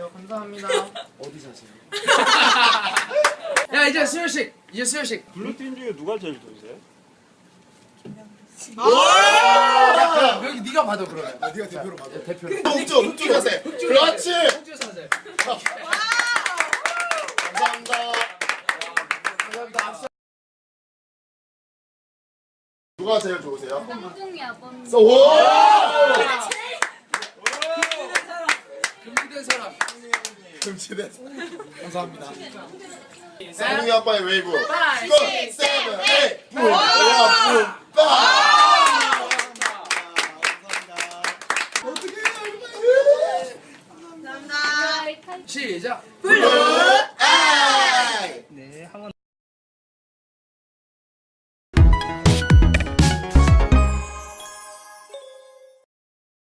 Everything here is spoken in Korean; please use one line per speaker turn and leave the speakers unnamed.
주세요. 감사합니다.
어디 사세요?
야 이제 수혈식.
블루팀 중에 누가 제일 좋으세요?
야 그럼 여기 네가 받아 그러면.
아, 네가 대표로 받아.
대표로.
흑주 자세. 그렇지.
홍주 사세.
감사합니다.
감사합니다.
누가 제일 좋으세요?
짬뽕이 아범.
오!
금지된 사람.
금치대. 감사합니다.
셋.
상웅이 아빠의 웨이브. 5, 6, 7, 8. 붐. 붐.
시작.
블루.